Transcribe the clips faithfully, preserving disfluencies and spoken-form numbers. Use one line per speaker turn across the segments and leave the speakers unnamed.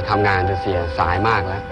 ทำงานจะเสียสายมากแล้ว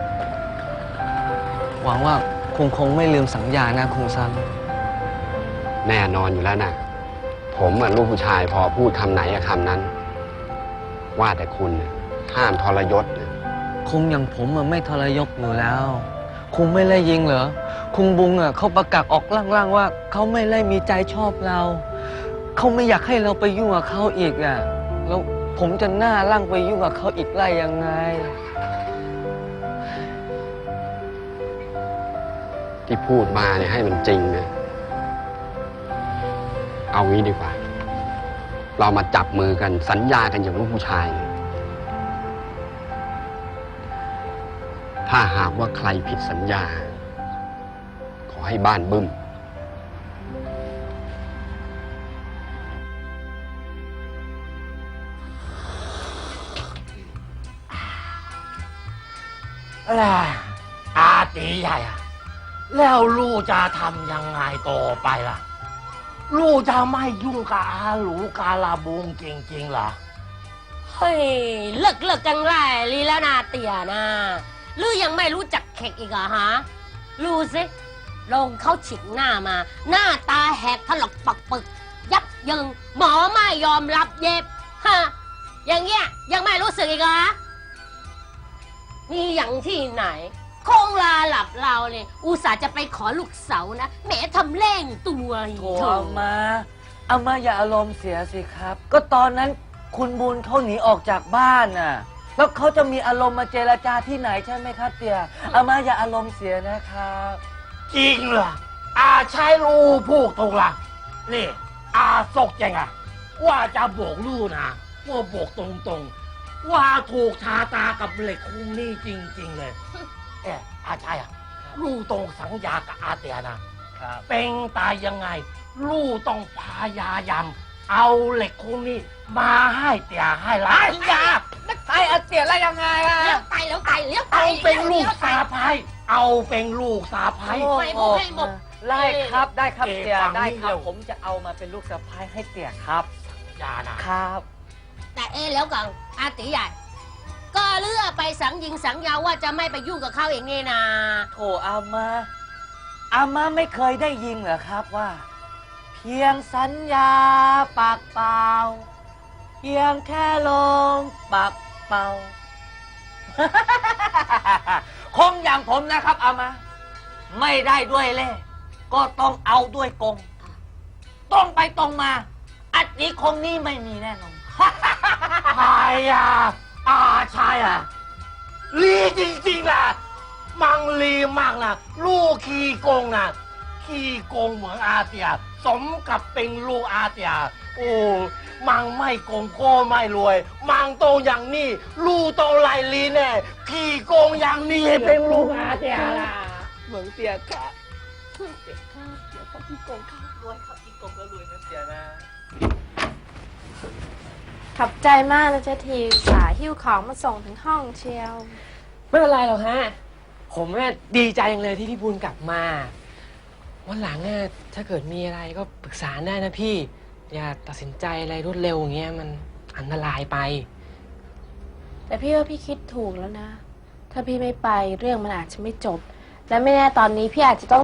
หวังว่าคุงคงไม่ลืมสัญญานะคุงซัน
แน่นอนอยู่แล้วนะผมเหมือนลูกผู้ชายพอพูดคำไหนอะคำนั้นว่าแต่คุณห้ามทรยศ
คุงอย่างผมมันไม่ทรยศอยู่แล้วคุงไม่ได้ยิงเหรอคุงบุงอ่ะเขาประกาศออกล่างๆว่าเขาไม่ได้มีใจชอบเราเขาไม่อยากให้เราไปยุ่งกับเขาอีกอ่ะแล้วผมจะหน้าร่างไปยุ่งกับเขาอีกได้ยังไง
ที่พูดมาเนี่ยให้มันจริงนะเอางี้ดีกว่าเรามาจับมือกันสัญญากันอย่างลูกผู้ชายถ้าหากว่าใครผิดสัญญาขอให้บ้านบึ้ม
อะไรอาตีใหญ่อะแล้วลูกจะทำยังไงต่อไปล่ะลูกจะไม่ยุ่งกับอาหลูกาลาบุงจริงๆเหรอ
เฮ้ยเลิกเลิกกันไรลีแล้วนาเตียนะลือยังไม่รู้จักเข็กอีกเหรอฮะรู้สิลงเขาฉิกหน้ามาหน้าตาแหกถลอกปักปึกยับยังหมอไม่ยอมรับเย็บฮะอย่างเงี้ยยังไม่รู้สึกอีกเหรอนี่อย่างที่ไหนคงลาหลับเราเนี่ยอุตส่าห์จะไปขอลูกเสานะแหมทำเล่งตัว
โถอามาอามาอย่าอารมณ์เสียสิครับก็ตอนนั้นคุณบุญเขาหนีออกจากบ้านน่ะแล้วเขาจะมีอารมณ์มาเจรจาที่ไหนใช่ไหมครับเตี่ยอามาอย่าอารมณ์เสียนะครับ
จริงเหรออาใช้ลูกพูดถูกละนี่อาสกจังอะว่าจะบอกลูกนะว่าบอกตรงๆว่าถูกชาตากับเหล็กคุ้งนี่จริงๆเลยเอออาใช่อะลูกต้องสัญญากับอาเตียนะเป็นตายยังไงลูกต้องพยายามเอาเหล็กคุ้งนี่มาให้เตียให้หลานยา
ไอ้อาเตียอะไรยังไงล่ะ
เลี้ยวไตเลี้ยวไตเลี้ยวไต
เอาเป็นลูกสาภ้เอาเป็นลูกสาภ้
ไม่หมดให้หมด
ได้ครับได้ครับเตี่ยได้ครับผมจะเอามาเป็นลูกสะใภ้ให้เตี่ยครับ
อย่านะครับ
แต่เอแล้วก่อนอาตีใหญ่ก็เลือกไปสังยิงสังยาว่าจะไม่ไปยุ่งกับเขาเองนี่นา
โถอามาอามาไม่เคยได้ยินเหรอครับว่าเพียงสัญญาปากเปล่าเพียงแค่ลงปากเปล่า คงอย่างผมนะครับอามาไม่ได้ด้วยเล่ก็ต้องเอาด้วยกงต้องไปตรงมาอันนี้คงนี่ไม่มีแน่นอน
ใช่อ่ะอาใช่อ่ะลีจริงๆนะมังลีมากนะลูกขี้โกงนะขี้โกงเหมือนอาเตียสมกับเป็นลูกอาเตียโอ้มังไม่โกงก็ไม่รวยมังโตอย่างนี้ลูกโตไลลีแน่ขี้โกงอย่างนี้เป็นลูกอาเตียล่ะ
เหมือนเตียค่ะเตียค่ะเตียครับขี้โกงค่ะรวยครับขี้โกงก็รวยนะเตียนะ
ขอบใจมากนะเจ๊ทีสาหิ้วของมาส่งถึงห้องเชียว
ไม่เป็นไรหรอกฮะผมเนี่ยดีใจจังเลยที่พี่บุญกลับมาวันหลังเนี่ยถ้าเกิดมีอะไรก็ปรึกษาได้นะพี่อย่าตัดสินใจอะไรรวดเร็วอย่างเงี้ยมันอันตรายไป
แต่พี่ว่าพี่คิดถูกแล้วนะถ้าพี่ไม่ไปเรื่องมันอาจจะไม่จบและไม่แน่ตอนนี้พี่อาจจะต้อง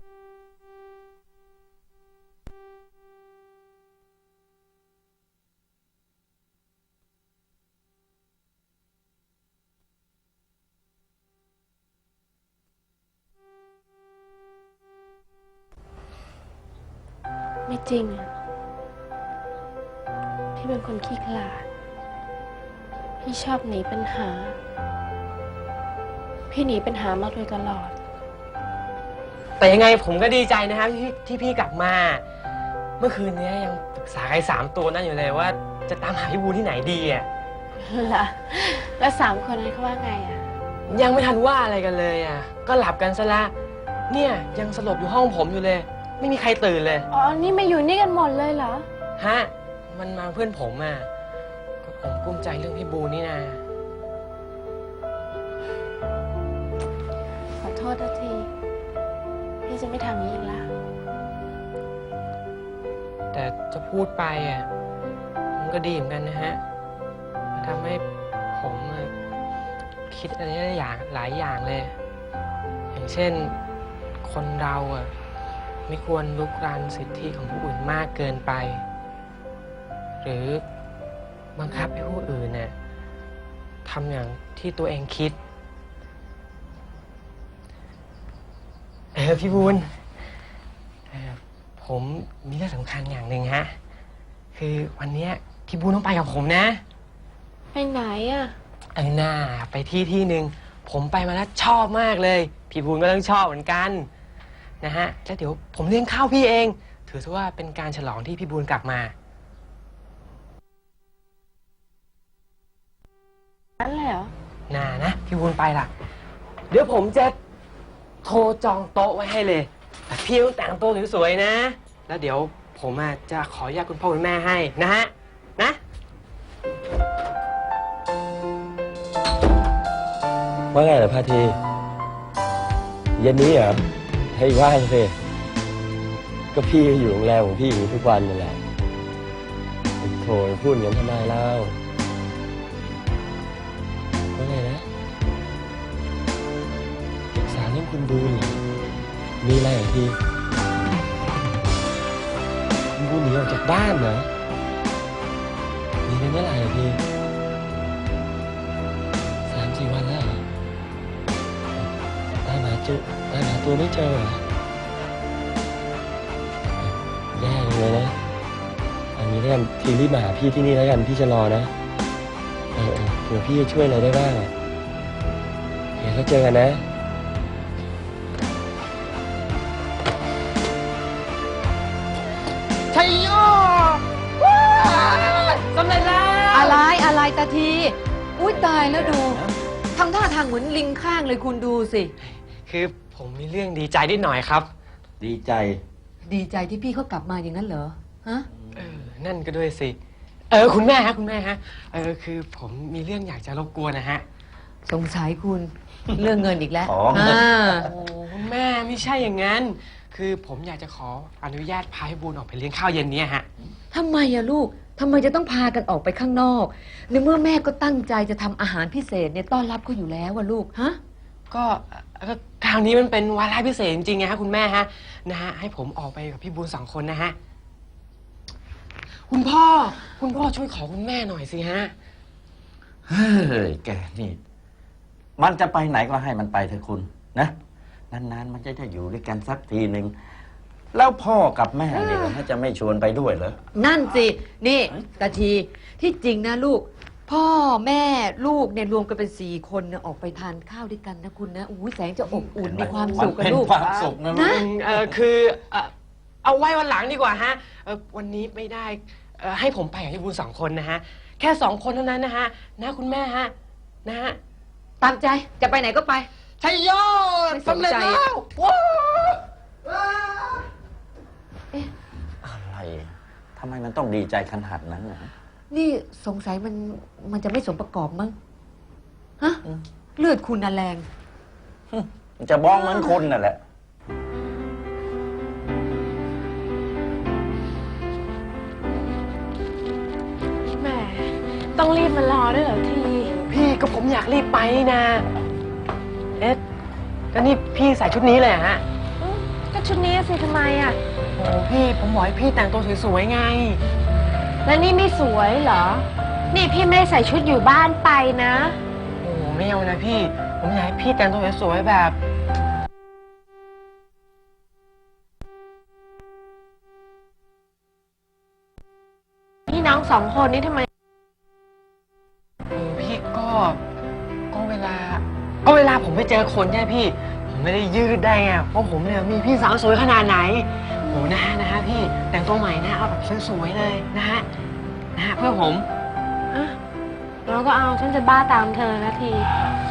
ไม่จริงอ่ะพี่เป็นคนขี้ขลาดพี่ชอบหนีปัญหาพี่หนีปัญหามาโดยตลอด
แต่ยังไงผมก็ดีใจนะครับที่ที่พี่กลับมาเมื่อคืนนี้ยังปรึกษาไอ้สามตัวนั่นอยู่เลยว่าจะตามหาพี่บูที่ไหนดีอ่ะ
ล่ะแล้วสามคนนั้นเขาว่าไงอ่ะ
ยังไม่ทันว่าอะไรกันเลยอ่ะก็หลับกันซะละเนี่ยยังสลบอยู่ห้องผมอยู่เลยไม่มีใครตื่นเลย
อ๋อนี่มาอยู่นี่กันหมดเลยเหรอ
ฮะมันมาเพื่อนผมอ่ะก็ผมกุ้มใจเรื่องพี่บูนี่นะ
ขอโทษนะทีพี่จะไม่ทำนี้อีกแล้ว
แต่จะพูดไปอ่ะมันก็ดีเหมือนกันนะฮะทำให้ผมคิดอะไรได้อย่างหลายอย่างเลย อย่างเช่นคนเราอ่ะไม่ควรลุกรานสิทธิของผู้อื่นมากเกินไป หรือบังคับให้ผู้อื่นเนี่ยทำอย่างที่ตัวเองคิดเออพี่บุญเอ่อผมมีเรื่องสำคัญอย่างหนึ่งฮะคือวันเนี้ยพี่บุญต้องไปกับผมนะ
ไปไหนอ่ะ
เออหน้าไปที่ที่หนึ่งผมไปมาแล้วชอบมากเลย พี่บุญก็ต้องชอบเหมือนกันนะฮะแล้วเดี๋ยวผมเลี้ยงข้าวพี่เอง ถือซะว่าเป็นการฉลองที่พี่บุญกลับมา
นั่นแหละเหรอ
น่านะพี่บุญไปล่ะ เดี๋ยวผมจะโทรจองโต๊ะไว้ให้เลยแต่พี่ต้องแต่งตัวสวยๆนะ แล้วเดี๋ยวผมอ่ะจะขออนุญาตคุณพ่อคุณแม่ให้นะฮะนะ
ว่าไงล่ะพาทีเย็นนี้เหรอให้ว่างสิก็พี่อยู่โรงแรมของพี่อย่างนี้ทุกวันนั่นแหละโถพูดอย่างนั้นทำไมเล่าว่าไงนะปรึกษาเรื่องคุณบูนเหรอมีอะไรเหรอพี่คุณบูนหนีออกจากบ้านเหรอหนีไปเมื่อไหร่อะพี่สามสี่วันแล้วเหรอตามหาจุตามหาตัวไม่เจอเหรอแย่เลยนะอันนี้แล้วกันทีรีบมาหาพี่ที่นี่แล้วกันพี่จะรอนะเออเออเผื่อพี่จะช่วยอะไรได้บ้างอะเดี๋ยวเราเจอกันนะ
ชัยโยสำเร็จแล้ว
อะไรอะไรตาที อุ้ยตายแล้วดูทำท่าทางเหมือนลิงข้างเลยคุณดูสิ
คือผมมีเรื่องดีใจนิดหน่อยครับ
ดีใจ
ดีใจที่พี่เขากลับมาอย่างนั้นเหรอ ฮะ
เออ นั่นก็ด้วยสิ เออ คุณแม่ฮะ คุณแม่ฮะ เออ คือผมมีเรื่องอยากจะรบกวนนะฮะ
สงสัยคุณ เรื่องเงินอีกแล้ว
อ๋อ
อ่า
โอ้คุณแม่ไม่ใช่อย่างนั้น คือผมอยากจะขออนุญาตพาให้บูนออกไปเลี้ยงข้าวเย็นเนี้ยฮะ
ทำไมอะลูกทำไมจะต้องพากันออกไปข้างนอก ในเมื่อแม่ก็ตั้งใจจะทำอาหารพิเศษเนี่ยต้อนรับเขาอยู่แล้วอะลูก ฮะ
ก็ก็คราวนี้มันเป็นวาระพิเศษจริงๆนะฮะคุณแม่ฮะ นะฮะ ให้ผมออกไปกับพี่บูนสองคนนะฮะ คุณพ่อ คุณพ่อช่วยขอคุณแม่หน่อยสิฮะ
เฮ้ยแกนี่ มันจะไปไหนก็ให้มันไปเถอะคุณนะนานๆมันจะได้อยู่ด้วยกันสักทีหนึ่งแล้วพ่อกับแม่เนี่ยมันจะไม่ชวนไปด้วยเหรอ
นั่นสิ นี่ตาทีที่จริงนะลูก พ่อแม่ลูกเนี่ยรวมกันเป็นสี่คนเนี่ยออกไปทานข้าวด้วยกันนะคุณนะอุ้ยแสงจะอบอุ่นมีความสุขกัน
เป็น
ลูก
ความสุขนะลู
นะ
ก
เออคือเอ่อเอาไว้วันหลังดีกว่าฮะเออวันนี้ไม่ได้เอ่อให้ผมไปกับพี่บูนสองคนนะฮะ แค่สองคนเท่านั้นนะฮะ นะคุณแม่ฮะ นะฮะ
ตามใจจะไปไหนก็ไป
ชัยโย
ไม่สนใจ
สำเร็จแล้วว้าว
อะไรทำไมมันต้องดีใจขนาดนั้นนะ
นี่สงสัยมันมันจะไม่สมประกอบมั้ง ฮะ เลือดคุณน่ะแรง
มันจะบ้องเหมือนคุณนั่นแหละ
แหม ต้องรีบมารอด้วยเหรอที
พี่ก็ผมอยากรีบไปนี่นะ เอ๊ะก็นี่พี่ใส่ชุดนี้เลยเหรอฮะ
อืมก็ชุดนี้สิทำไมอ่ะ
โอ้พี่ผมบอกให้พี่แต่งตัวสวยๆไง
แล้วนี่ไม่สวยเหรอ นี่พี่ไม่ได้ใส่ชุดอยู่บ้านไปนะ
โอ้ไม่เอานะพี่ ผมอยากให้พี่แต่งตัวสวยๆแบบ
พี่น้องสองคนนี่ทำไม
เออพี่ก็ก็เวลาก็เวลาผมไปเจอคนใช่ไหมพี่ ผมไม่ได้ยืดได้ไงเพราะผมเนี่ยมีพี่สาวสวยขนาดไหนโหนะฮะนะฮะพี่แต่งตัวใหม่นะเอาแบบสวยๆเลยนะฮะนะฮะเพื่อผม
อ่ะเราก็เอาฉันจะบ้าตามเธอนะที
โ